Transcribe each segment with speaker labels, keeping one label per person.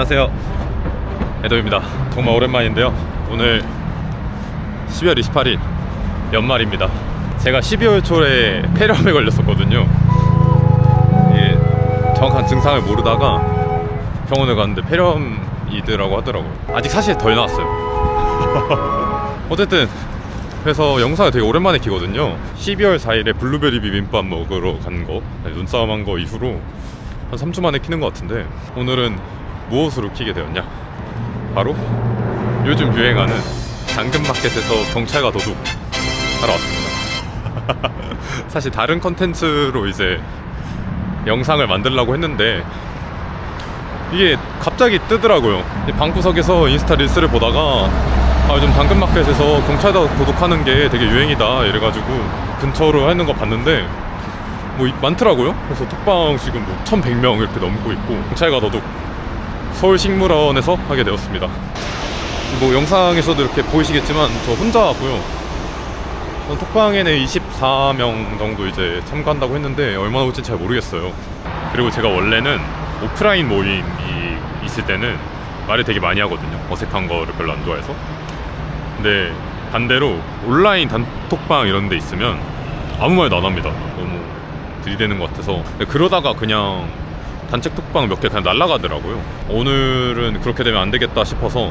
Speaker 1: 안녕하세요, 에도입니다. 정말 오랜만인데요, 오늘 12월 28일 연말입니다. 제가 12월 초에 폐렴에 걸렸었거든요. 이게 정확한 증상을 모르다가 병원에 갔는데 폐렴이더라고 하더라고요. 아직 사실 덜 나왔어요. 어쨌든 그래서 영상을 되게 오랜만에 키거든요. 12월 4일에 블루베리 비빔밥 먹으러 간 거, 눈싸움 한 거 이후로 한 3주 만에 키는 것 같은데, 오늘은 무엇으로 키게 되었냐? 바로 요즘 유행하는 당근마켓에서 경찰과 도둑 하러 왔습니다. 사실 다른 컨텐츠로 이제 영상을 만들려고 했는데 이게 갑자기 뜨더라고요. 방구석에서 인스타 릴스를 보다가 요즘 당근마켓에서 경찰과 도둑하는 게 되게 유행이다 이래가지고 근처로 하는 거 봤는데 뭐 많더라고요. 그래서 톡방 지금 뭐 1100명 이렇게 넘고 있고, 경찰과 도둑 서울식물원에서 하게 되었습니다. 뭐 영상에서도 이렇게 보이시겠지만 저 혼자 하고요. 톡방에는 24명 정도 이제 참가한다고 했는데 얼마나 올지 잘 모르겠어요. 그리고 제가 원래는 오프라인 모임이 있을 때는 말을 되게 많이 하거든요. 어색한 거를 별로 안 좋아해서. 근데 반대로 온라인 단톡방 이런 데 있으면 아무 말도 안 합니다. 너무 들이대는 것 같아서. 그러다가 그냥 단체 톡방 몇 개 그냥 날아가더라고요. 오늘은 그렇게 되면 안 되겠다 싶어서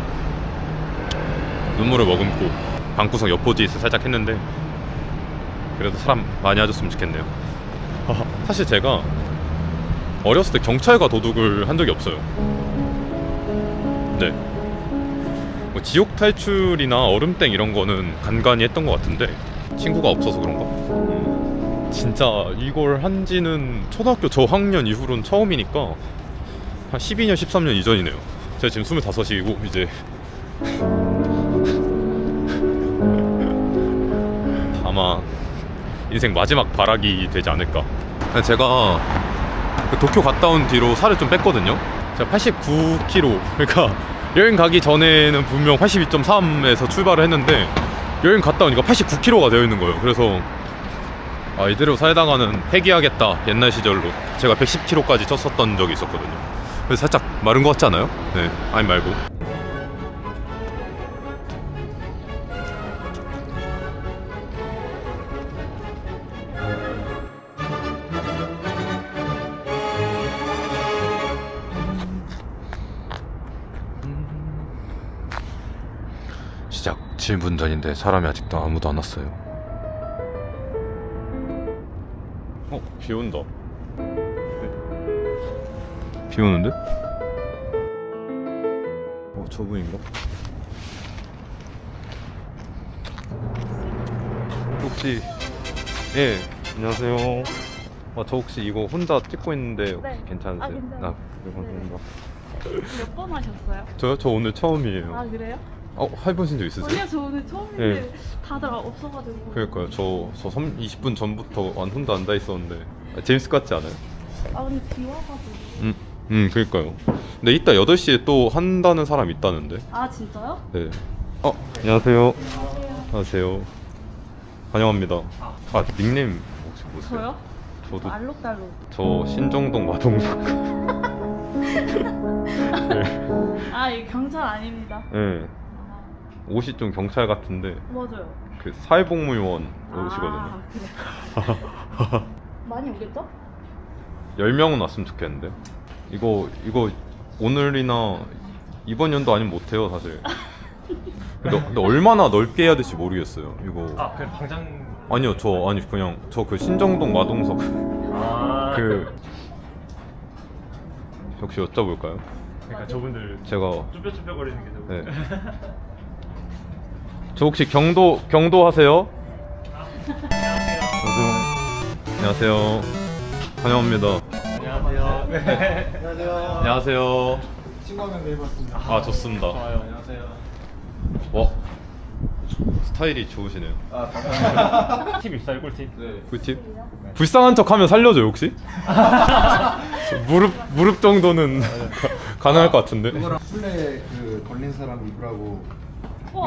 Speaker 1: 눈물을 머금고 방구석 엿보지잇을 살짝 했는데, 그래도 사람 많이 와줬으면 좋겠네요. 사실 제가 어렸을 때 경찰과 도둑을 한 적이 없어요. 네, 뭐 지옥 탈출이나 얼음땡 이런 거는 간간히 했던 것 같은데 친구가 없어서 그런가? 진짜 이걸 한지는 초등학교 저학년 이후로는 처음이니까 한 12년 13년 이전이네요. 제가 지금 25이고 이제 아마 인생 마지막 발악이 되지 않을까. 제가 도쿄 갔다 온 뒤로 살을 좀 뺐거든요. 제가 89kg, 그러니까 여행 가기 전에는 분명 82.3에서 출발을 했는데 여행 갔다 오니까 89kg가 되어 있는 거예요. 그래서 이대로 살다가는 폐기하겠다. 옛날 시절로 제가 110kg까지 쪘었던 적이 있었거든요. 그래서 살짝 마른 것 같지 않아요? 네, 아니 말고. 시작 7분 전인데 사람이 아직도 아무도 안 왔어요. 비 온다. 비 오는데? 저분인가? 혹시 안녕하세요. 저 혹시 이거 혼자 찍고 있는데 혹시
Speaker 2: 네.
Speaker 1: 괜찮으세요?
Speaker 2: 괜찮아요.
Speaker 1: 네, 감사합니다.
Speaker 2: 몇 번 하셨어요?
Speaker 1: 저요? 저 오늘 처음이에요.
Speaker 2: 그래요?
Speaker 1: 해보신 적 있으세요?
Speaker 2: 아니요, 저 오늘 처음인데
Speaker 1: 네.
Speaker 2: 다들 없어가지고.
Speaker 1: 그러니까요. 저 20분 전부터 혼자 앉아 있었는데 재밌을 것 같지 않아요?
Speaker 2: 근데 비 와가지고.
Speaker 1: 그러니까요. 근데 이따 8시에 또 한다는 사람 있다는데.
Speaker 2: 진짜요?
Speaker 1: 네. 안녕하세요. 안녕하세요. 환영합니다. 닉네임 혹시 보세요?
Speaker 2: 저요?
Speaker 1: 저도
Speaker 2: 알록달록.
Speaker 1: 저 신정동 마동석. 네.
Speaker 2: 이 경찰 아닙니다.
Speaker 1: 네. 옷이 좀 경찰 같은데
Speaker 2: 맞아요.
Speaker 1: 그 사회복무요원 옷이거든요.
Speaker 2: 그래. 많이 오겠죠?
Speaker 1: 10명은 왔으면 좋겠는데. 이거 오늘이나 이번 연도 아니면 못해요 사실. 근데 얼마나 넓게 해야 될지 모르겠어요 이거.
Speaker 3: 그냥 당장.
Speaker 1: 아니요, 그냥 저 그 신정동 마동석 혹시 여쭤볼까요?
Speaker 3: 그러니까 저분들
Speaker 1: 제가
Speaker 3: 쭈뼛쭈뼛거리는 게 좀.
Speaker 1: 네. 저 혹시 경도 하세요? 안녕하세요. 환영합니다.
Speaker 3: 안녕하세요. 네. 안녕하세요.
Speaker 1: 안녕하세요.
Speaker 3: 친구 한명 내봤습니다.
Speaker 1: 좋습니다.
Speaker 3: 좋아요. 안녕하세요.
Speaker 1: 스타일이 좋으시네요.
Speaker 3: 팁 있어요, 꿀팁? 네.
Speaker 1: 꿀팁? 불쌍한 척하면 살려줘요 혹시? 무릎 정도는 가능할 것 같은데.
Speaker 4: 술래 걸린 사람 입으라고.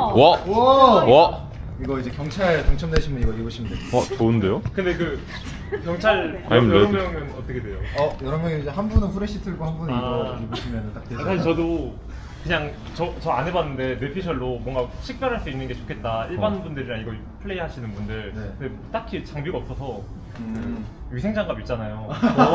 Speaker 1: 와.
Speaker 4: 이거 이제 경찰 당첨되시면 이거 입으시면 돼요.
Speaker 1: 좋은데요?
Speaker 3: 근데 경찰
Speaker 1: I'm
Speaker 3: 여러
Speaker 1: ready.
Speaker 3: 명은 어떻게 돼요?
Speaker 4: 여러 명이 이제 한 분은 후레쉬 틀고 한 분은 이거 입으시면 딱 되죠.
Speaker 3: 사실 저도 그냥 저 안 해봤는데 뇌피셜로 뭔가 식별할 수 있는 게 좋겠다. 일반 분들이랑 이거 플레이 하시는 분들.
Speaker 4: 네.
Speaker 3: 근데 딱히 장비가 없어서 위생장갑 있잖아요.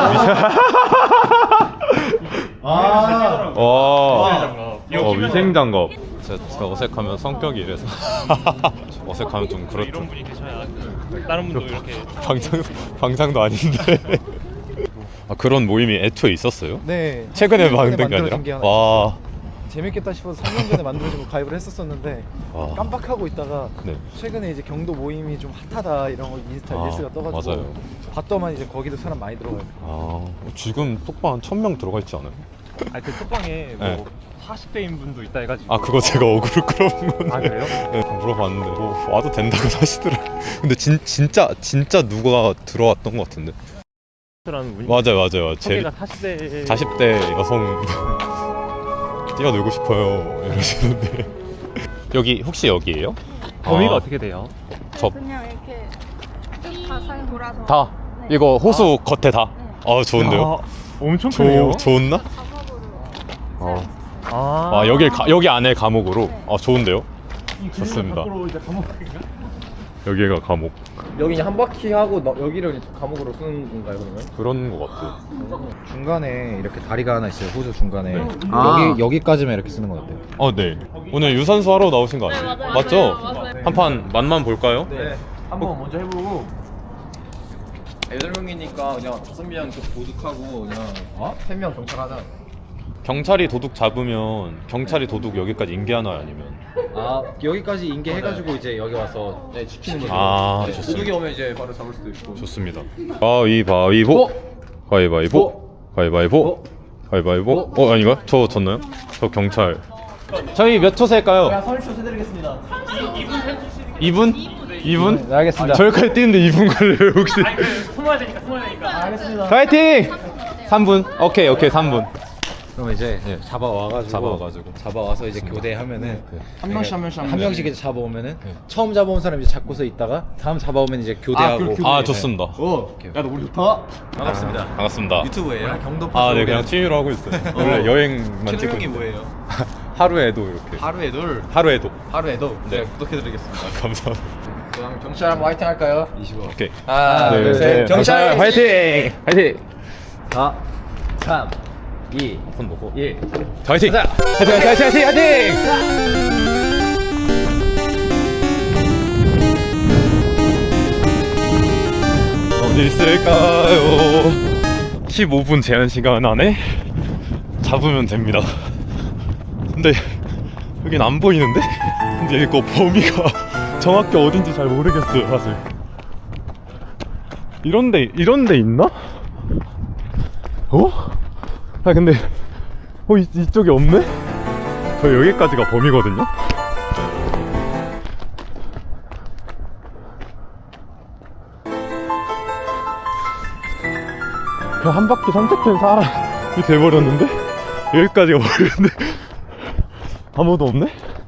Speaker 4: 아.
Speaker 1: 와.
Speaker 3: 이거 끼면
Speaker 1: 위생장갑. 제가 어색하면 성격이 이래서 어색하면 좀
Speaker 3: 이런
Speaker 1: 그렇죠.
Speaker 3: 분이 계셔야 다른 분도 이렇게
Speaker 1: 방장도 아닌데. 아, 그런 모임이 애초에 있었어요?
Speaker 4: 네.
Speaker 1: 최근에 만든 게 아니라?
Speaker 4: 만들어진 게 하나
Speaker 1: 와.
Speaker 4: 재밌겠다 싶어서 3년 전에 만들어지고 가입을 했었었는데
Speaker 1: 와.
Speaker 4: 깜빡하고 있다가
Speaker 1: 네.
Speaker 4: 최근에 이제 경도 모임이 좀 핫하다 이런 거 인스타 릴스가 떠가지고
Speaker 1: 맞아요.
Speaker 4: 봤더만 이제 거기도 사람 많이 들어가요.
Speaker 1: 아, 지금 톡방 한 1000명 들어가 있지 않아요?
Speaker 3: 아니 그 톡방에 뭐
Speaker 1: 네.
Speaker 3: 40대인 분도 있다 해가지고
Speaker 1: 아, 그거 제가 어그로 끌어본 건데.
Speaker 3: 아 그래요?
Speaker 1: 네, 물어봤는데 뭐 와도 된다고 하시더라고요. 근데 진짜 누가 들어왔던 것 같은데.
Speaker 3: 라는 분이
Speaker 1: 맞아요.
Speaker 3: 소개가 40대
Speaker 1: 40대 여성 뛰어놀고 싶어요 이러시는데. 여기 혹시 여기예요?
Speaker 3: 범위가
Speaker 1: 아.
Speaker 3: 어떻게 돼요?
Speaker 2: 그냥 이렇게 쭉 가상 돌아서.
Speaker 1: 다 이거 호수 겉에 다. 아, 좋은데요?
Speaker 3: 아, 엄청 크네요.
Speaker 1: 좋나?
Speaker 2: 작업으로.
Speaker 1: 아, 여기 안에 감옥으로. 아, 좋은데요? 좋습니다.
Speaker 3: 밖으로 이제 감옥인가?
Speaker 1: 여기가 감옥.
Speaker 4: 여기 한 바퀴 하고 여기를 감옥으로 쓰는 건가요 그러면?
Speaker 1: 그런 것 같아요.
Speaker 4: 중간에 이렇게 다리가 하나 있어요. 호수 중간에.
Speaker 1: 네.
Speaker 4: 여기까지만 이렇게 쓰는 건 어때요?
Speaker 1: 네. 오늘 유산소 하러 나오신 거 아니에요?
Speaker 2: 맞아요.
Speaker 1: 맞죠?
Speaker 2: 맞아요.
Speaker 1: 한 판 맛만 볼까요?
Speaker 4: 네. 한번 먼저 해보고 8명이니까 그냥 5명 도둑하고 그냥 3명 경찰 하자.
Speaker 1: 경찰이 도둑 잡으면 경찰이 도둑 여기까지 인계하나요, 아니면?
Speaker 4: 여기까지 인계해가지고 이제 여기 와서 지키는 거죠.
Speaker 1: 아, 좋습니다.
Speaker 4: 도둑이 오면 이제 바로 잡을 수도 있고.
Speaker 1: 좋습니다. 가위바위보. 가위바위보. 가위바위보. 가위바위보. 아닌가? 저 졌나요? 저 경찰. 저희 몇 초 셀까요?
Speaker 4: 30초 세드리겠습니다.
Speaker 1: 2분?
Speaker 4: 네, 알겠습니다.
Speaker 1: 저기까지 뛰는데 2분 걸려요, 혹시?
Speaker 3: 숨어야 되니까.
Speaker 4: 알겠습니다.
Speaker 1: 파이팅! 3분. 오케이, 3분.
Speaker 4: 그럼 이제 잡아와서 이제 교대하면은 한 명씩 이제 잡아오면은 처음 잡아온 사람 이제 잡고서 있다가 다음 잡아오면 이제 교대하고.
Speaker 1: 아, 좋습니다.
Speaker 3: 야, 너 우리 좋다.
Speaker 4: 반갑습니다.
Speaker 1: 반갑습니다.
Speaker 4: 유튜브예요. 경도
Speaker 1: 아, 네, 그냥 취미로 하고 있어요. 원래 여행만 찍고
Speaker 4: 최종이
Speaker 1: 있는데.
Speaker 4: 뭐예요?
Speaker 1: 하루에도 이렇게.
Speaker 4: 하루에도
Speaker 1: 하루에도.
Speaker 4: 네, 구독해드리겠습니다.
Speaker 1: 감사합니다.
Speaker 4: 그럼 경찰 한번 화이팅 할까요?
Speaker 1: 오케이.
Speaker 4: 하나,
Speaker 1: 둘, 셋.
Speaker 4: 경찰
Speaker 1: 화이팅! 화이팅!
Speaker 4: 4, 3, 2,
Speaker 1: 손 놓고.
Speaker 4: 1.
Speaker 1: 화이팅!
Speaker 4: 가자!
Speaker 1: 화이팅! 어디 있을까요? 15분 제한 시간 안에 잡으면 됩니다. 근데 여긴 안 보이는데? 근데 이거 범위가 정확히 어딘지 잘 모르겠어요, 사실. 이런데 있나? 아, 근데 이쪽에 없네? 저 여기까지가 범위거든요? 그냥 한 바퀴 산책한 사람이 돼버렸는데? 여기까지가 버렸는데 아무도 없네?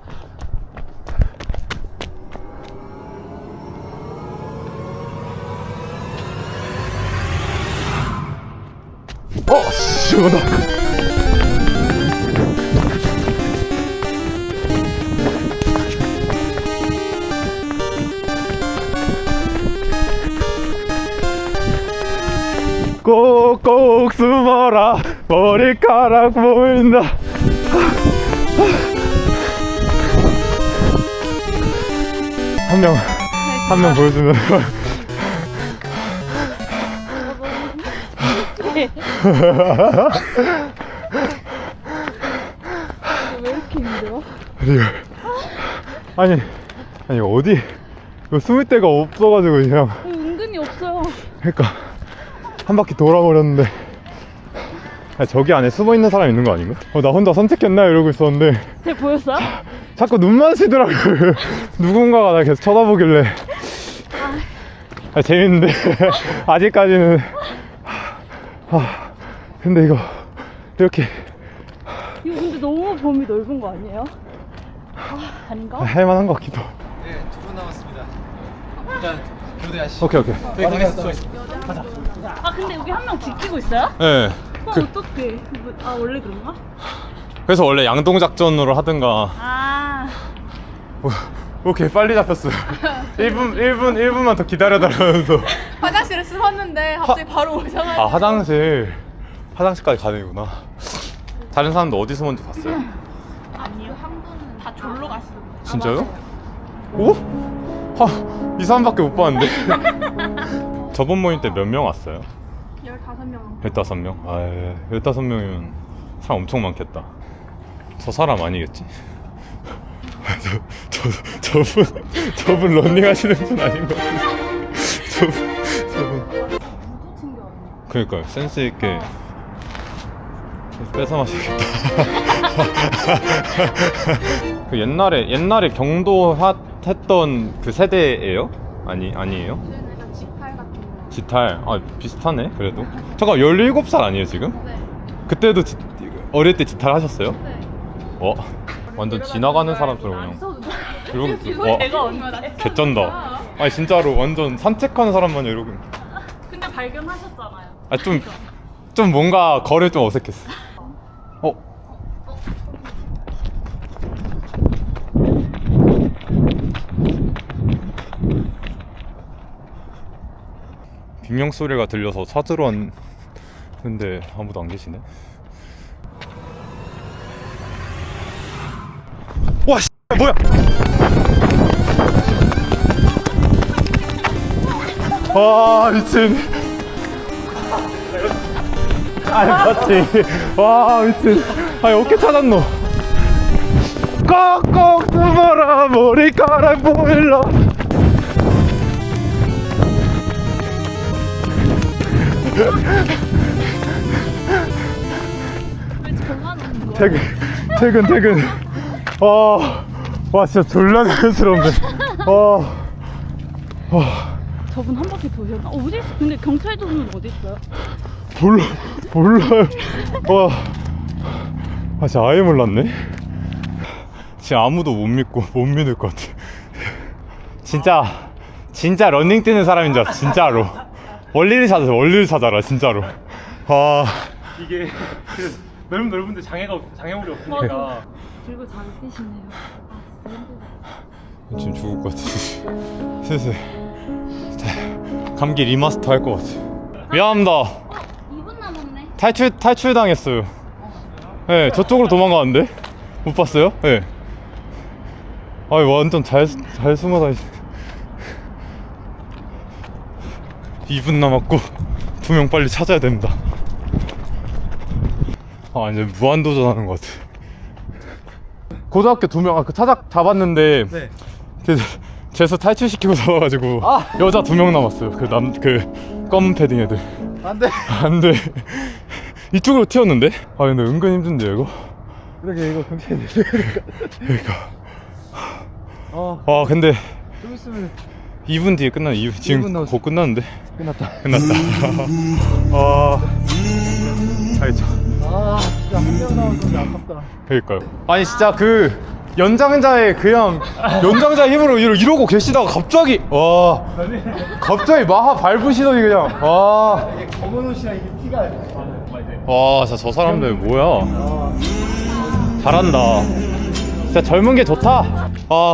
Speaker 1: 시원하다. 꼭꼭 숨어라, 머리카락 보인다. 한 명 보여주면
Speaker 2: 왜 이렇게 힘들어?
Speaker 1: 아니 어디 이거 숨을 데가 없어가지고 그냥
Speaker 2: 은근히 없어요.
Speaker 1: 그러니까 한 바퀴 돌아버렸는데. 아니, 저기 안에 숨어 있는 사람 있는 거 아닌가? 나 혼자 산책했나 이러고 있었는데
Speaker 2: 제 보였어요?
Speaker 1: 자꾸 눈 마주치더라고요. 누군가가 나 계속 쳐다보길래. 재밌는데 아직까지는. 근데 이거 이렇게
Speaker 2: 이거 근데 너무 범위 넓은 거 아니에요? 아닌가?
Speaker 1: 할만한 것 같기도.
Speaker 4: 네, 2분 남았습니다. 일단 교대하시.
Speaker 1: 오케이.
Speaker 4: 저희 가겠어.
Speaker 2: 아 근데 여기 한 명 지키고 있어요?
Speaker 1: 네.
Speaker 2: 어떡해. 아 원래 그런가?
Speaker 1: 그래서 원래 양동 작전으로 하든가.
Speaker 2: 아
Speaker 1: 오케이, 빨리 잡혔어요. 1분만 더 기다려달라면서.
Speaker 2: 화장실을 숨었는데 갑자기 바로 오셔가지고.
Speaker 1: 아, 화장실까지 가는구나. 다른 사람도 어디 숨었는지 봤어요?
Speaker 2: 아니요 한 분은 다 졸로 가시던데.
Speaker 1: 진짜요? 오? 이 사람밖에 못 봤는데. 저번 모임 때 몇 명 왔어요?
Speaker 2: 15명.
Speaker 1: 15명? 아, 15명이면 사람 엄청 많겠다. 저 사람 아니겠지? 저분 러닝 하시는 분 아닌 것 같아요. 저분. 그러니까요, 센스 있게 뺏어 마시겠다. 그 옛날에 경도 했던 그 세대예요? 아니에요?
Speaker 2: 약간 지팔 같은 거.
Speaker 1: 지탈. 아, 비슷하네. 그래도. 잠깐, 17살 아니에요 지금?
Speaker 2: 네.
Speaker 1: 그때도 어릴 때 지탈 하셨어요?
Speaker 2: 네.
Speaker 1: 완전 지나가는 사람처럼 그냥 이러고. 와,
Speaker 2: 제가 언제?
Speaker 1: 개쩐다. 아니 진짜로 완전 산책하는 사람만 이러고.
Speaker 2: 근데 발견하셨잖아요.
Speaker 1: 아, 좀 뭔가 거래 좀 어색했어. 비명 소리가 들려서 찾으러 왔는데 아무도 안 계시네. 와, 씨, 뭐야? 와, 미친. 맞지. 와, 미친. 어떻게 찾았노? 꼭꼭 숨어라 머리카락 보일러.
Speaker 2: 왜 저만 오는 거야?
Speaker 1: 퇴근. 와, 진짜 졸라 자연스러운데.
Speaker 2: 저분 한 바퀴 도셨나? 어디 있어? 근데 경찰도는 어디 있어요?
Speaker 1: 몰라요. 진짜 아예 몰랐네. 진짜 아무도 못 믿을 것 같아. 진짜 러닝 뛰는 사람인 줄 알았어, 진짜로. 원리를 찾아라, 진짜로.
Speaker 3: 이게 넓은데 장애물이 없으니까.
Speaker 2: 그리고 잘 뛰시네요.
Speaker 1: 지금 죽을 것 같아. 슬슬 감기 리마스터 할 것 같아. 미안합니다.
Speaker 2: 2분 남았네.
Speaker 1: 탈출 당했어요. 네, 저쪽으로 도망가는데 못 봤어요? 네. 완전 잘 숨어 다니시. 2분 남았고 2명 빨리 찾아야 됩니다. 이제 무한도전하는 것 같아. 고등학교 2명 잡았는데
Speaker 4: 네.
Speaker 1: 재수 탈출시키고 잡아가지고 여자 2명 남았어요. 그 검은 패딩 애들. 안돼. 이쪽으로 튀었는데? 근데 은근 힘든데 이거?
Speaker 4: 그러게 이거 경찰 내려니까.
Speaker 1: 그러니까. 근데
Speaker 4: 좀 있으면
Speaker 1: 2분 뒤에 끝나네.
Speaker 4: 2분
Speaker 1: 지금
Speaker 4: 남았어.
Speaker 1: 곧 끝났는데?
Speaker 4: 끝났다.
Speaker 1: 알죠.
Speaker 4: 진짜 한 명 남았는데 아깝다.
Speaker 1: 그러니까요. 아니 진짜 그 연장자의 힘으로 이러고 계시다가 갑자기 마하 밟으시더니 그냥
Speaker 4: 이게 검은 옷이랑 이게 티가.
Speaker 1: 진짜 저 사람들 뭐야. 잘한다. 진짜 젊은 게 좋다.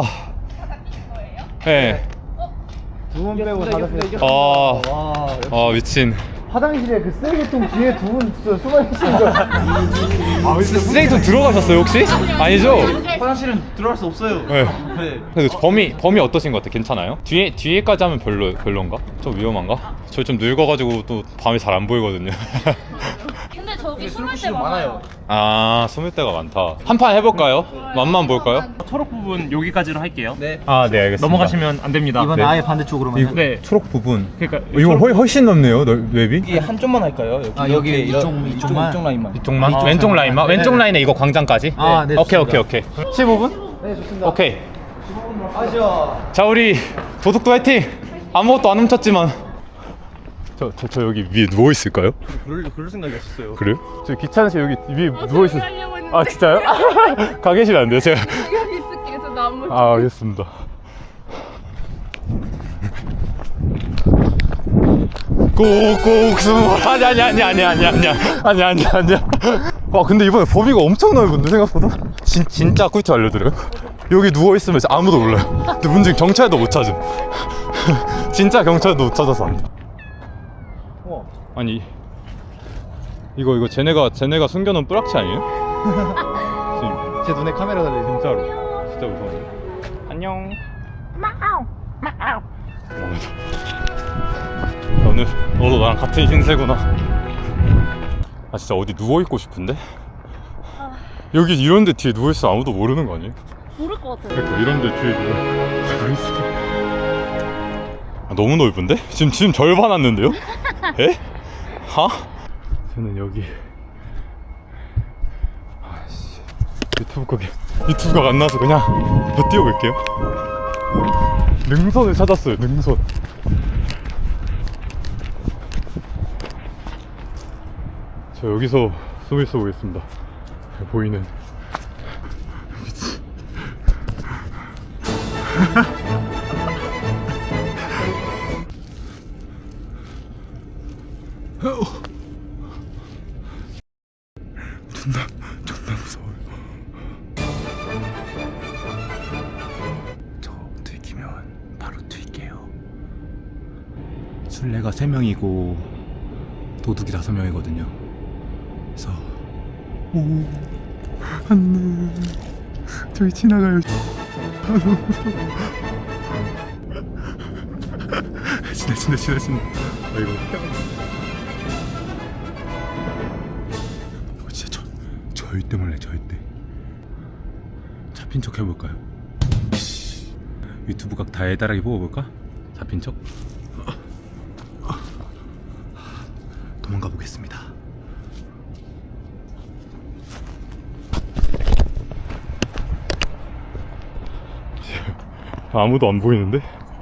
Speaker 1: 네.
Speaker 4: 2분 빼고 다
Speaker 1: 와. 미친.
Speaker 4: 화장실에 그 쓰레기통 뒤에 2분 숨어 계시는 거.
Speaker 1: 쓰레기통 들어가셨어요 혹시? 아니죠?
Speaker 4: 화장실은 들어갈 수 없어요.
Speaker 1: 네. 그래도 범위 어떠신 것 같아? 괜찮아요? 뒤에까지 하면 별론가? 좀 위험한가? 저 좀 늙어가지고 또 밤에 잘 안 보이거든요.
Speaker 2: 근데 저기 숨을 때
Speaker 4: 술국수
Speaker 2: 많아요.
Speaker 1: 숨을 데가 많다. 한 판 해볼까요? 맛만 볼까요?
Speaker 3: 초록 부분 여기까지로 할게요.
Speaker 4: 네.
Speaker 1: 네, 알겠습니다.
Speaker 3: 넘어가시면 안 됩니다.
Speaker 4: 이번 아예 반대쪽으로만.
Speaker 3: 네.
Speaker 1: 초록 부분.
Speaker 3: 그러니까
Speaker 1: 이거 훨씬 넓네요, 웹이?
Speaker 5: 이게 한쪽만 할까요?
Speaker 4: 여기
Speaker 5: 이쪽만?
Speaker 4: 이쪽 라인만.
Speaker 1: 이쪽만? 왼쪽 라인만? 왼쪽 라인에 이거 광장까지?
Speaker 4: 네.
Speaker 1: 오케이. 15분?
Speaker 4: 네, 좋습니다.
Speaker 1: 오케이.
Speaker 4: 아시죠?
Speaker 1: 자, 우리 도둑도 화이팅! 아무것도 안 훔쳤지만 저 여기 위에 누워 있을까요?
Speaker 5: 그럴 생각이 없었어요.
Speaker 1: 그래요? 저 귀찮으시 여기 위에 누워 있을.
Speaker 2: 하려고 했는데
Speaker 1: 진짜요? 가 계시면 안 돼요, 제가.
Speaker 2: 시간이 있을게 해서 나무.
Speaker 1: 알겠습니다. 꼭꼭 숨어. 아니야. 와 근데 이번에 범위가 엄청 넓은데 생각보다. 진짜 꿀팁 알려드려요. 여기 누워 있으면 아무도 몰라요. 근데 문제는 경찰도 못 찾음. 진짜 경찰도 못 찾아서 안 돼. 아니 이거 쟤네가 숨겨놓은 뿌락치 아니에요? 지금
Speaker 4: 제 눈에 카메라 달려 있는.
Speaker 1: 진짜로 진짜 무서워. 안녕. 너도 나랑 같은 신세구나. 아 진짜 어디 누워있고 싶은데? 여기 이런데 뒤에 누워있으면 아무도 모르는 거 아니에요?
Speaker 2: 모를 것 같아요.
Speaker 1: 그러니까 이런데 뒤에 누워있어. 아, 너무 넓은데? 지금 절반 왔는데요? 에? 하? 저는 여기 아씨 유튜브가 안 나와서 그냥 더 뛰어볼게요. 능선을 찾았어요. 능선. 저 여기서 숨을 쏘보겠습니다. 보이는 미치. 존나 무서워요. 저 들키면 바로 튈게요. 술래가 3명이고 도둑이 5명이거든요. 그래서 안돼 저기 지나가요. 너무 무서워. 지나. 아이고. 진짜 절대 몰래 절대. 잡힌 척 해볼까요? 유튜브 각 달달하게 뽑아볼까? 잡힌 척? 도망가 보겠습니다. 아무도 안 보이는데?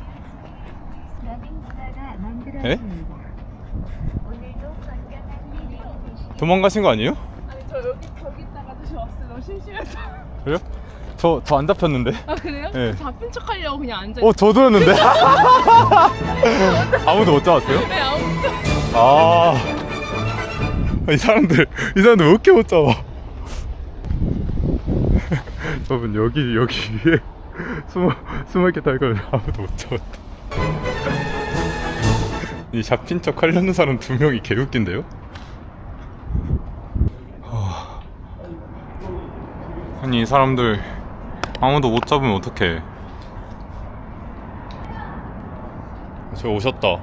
Speaker 1: 에? 도망가신 거 아니에요?
Speaker 2: 아니 저 저기 있다가 다시 왔어요. 너무 심심해서.
Speaker 1: 그래요? 저 안 잡혔는데?
Speaker 2: 아 그래요?
Speaker 1: 네.
Speaker 2: 잡힌 척 하려고 그냥 앉아.
Speaker 1: 저도였는데? 아무도 못 잡았어요?
Speaker 2: 네 아무튼.
Speaker 1: 이 사람들 왜 이렇게 못 잡아? 여러분 여기 위에 숨어 있겠다 이걸 아무도 못 잡았다. 이 잡힌 척 하려는 사람 2명이 개웃긴데요? 아니 이 사람들 아무도 못 잡으면 어떡해. 저 오셨다.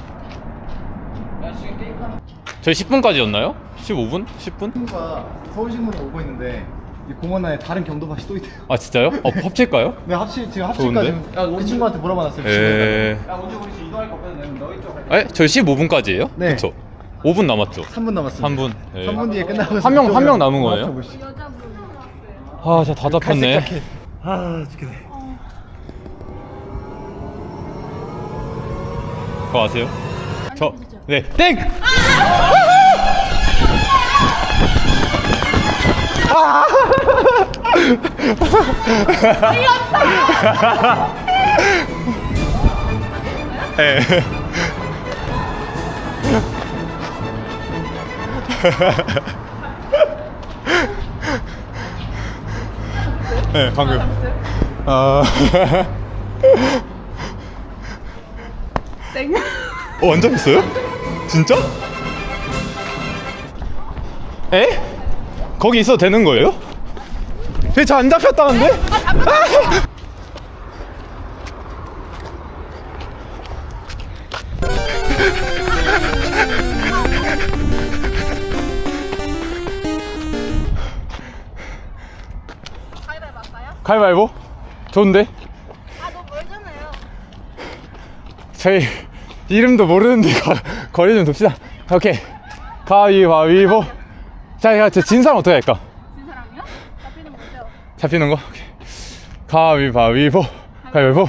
Speaker 1: 저희 10분까지였나요? 15분? 10분?
Speaker 4: 친구가 서울신문에 오고 있는데 이 공원 안에 다른 경도밭이 또 있대요.
Speaker 1: 아 진짜요? 합칠까요?
Speaker 4: 네, 지금 합칠까
Speaker 1: 좋은데?
Speaker 4: 지금 그 친구한테 물어봐놨어요.
Speaker 1: 야
Speaker 4: 언제 우리 이동할 거 없거든. 너희 쪽.
Speaker 1: 저희 15분까지예요?
Speaker 4: 네.
Speaker 1: 그쵸? 5분 남았죠?
Speaker 4: 3분 남았습니다.
Speaker 1: 3분.
Speaker 4: 3분 뒤에 끝나고
Speaker 1: 한 명 남은 거예요?
Speaker 4: 맞춰보시죠.
Speaker 1: 아 진짜 다 잡혔네.
Speaker 4: 자켓. 아 죽겠네.
Speaker 1: 그거 아세요? 네 땡! 네. 네 방금
Speaker 2: 땡.
Speaker 1: 안 잡혔어요? 진짜? 에? 거기 있어도 되는 거예요? 저 안 잡혔다는데?
Speaker 2: 가위바위보 할까요?
Speaker 1: 가위바위보? 좋은데?
Speaker 2: 아 너무 멀잖아요.
Speaker 1: 저희 이름도 모르는데 거리 좀 둡시다. 오케이 가위바위보. 자, 진 사람 어떻게 할까?
Speaker 2: 진 사람이요? 잡히는 거죠?
Speaker 1: 잡히는 거? 오케이. 가위바위보. 가위바위보.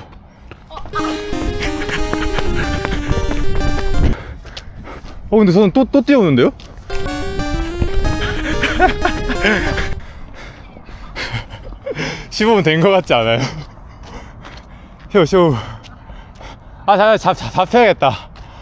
Speaker 1: 근데 저는 또 뛰어오는데요? (15분) 된 거 같지 않아요? 쇼 아, 잡혀야겠다.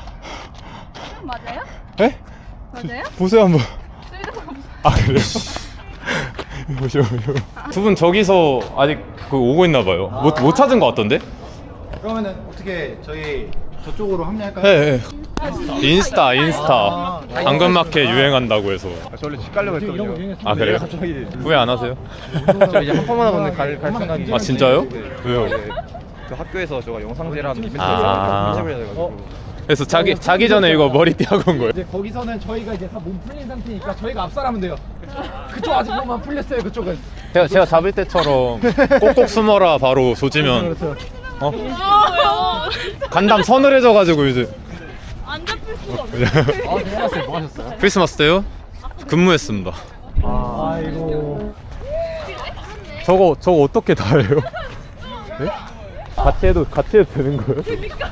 Speaker 2: 맞아요?
Speaker 1: 에?
Speaker 2: 맞아요?
Speaker 1: 보세요 한번. 아 그래요? 보시오. 두 분 저기서 아직 오고 있나 봐요. 못 찾은 것 같던데?
Speaker 4: 그러면은 어떻게 저희 저쪽으로 합류할까요?
Speaker 1: 네. 인스타. 당근마켓 유행한다고 해서.
Speaker 5: 저 원래 집 가려고 했거든요.
Speaker 1: 아 그래요? 후회 안 하세요?
Speaker 5: 저 이제 한꺼번에 갈 생각이.
Speaker 1: 아 진짜요? 왜요?
Speaker 5: 그 학교에서 제가 영상제라는 이벤트를
Speaker 1: 아.
Speaker 5: 해서 해가지고.
Speaker 1: 그래서 자기 전에 이거 머리띠 하고 온 거예요?
Speaker 4: 이제 거기서는 저희가 이제 다 몸 풀린 상태니까 저희가 압살하면 돼요. 그쪽 아직 몸만 풀렸어요. 그쪽은.
Speaker 1: 제가 잡을 때처럼 꼭꼭 숨어라 바로 조지면 어? 간담 서늘해져가지고 이제
Speaker 2: 안 잡힐 수가 없어.
Speaker 4: 뭐 하셨어요?
Speaker 1: 크리스마스 때요? 근무했습니다.
Speaker 4: 아이고.
Speaker 1: 저거 어떻게 다 해요? 네? 같이 해도 되는 거예요?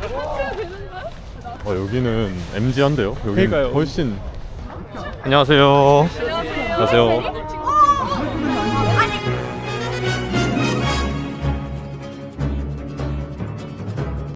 Speaker 1: 여기는 MG한데요? 여기
Speaker 5: 그러니까요.
Speaker 1: 훨씬. 안녕하세요. 안녕하세요.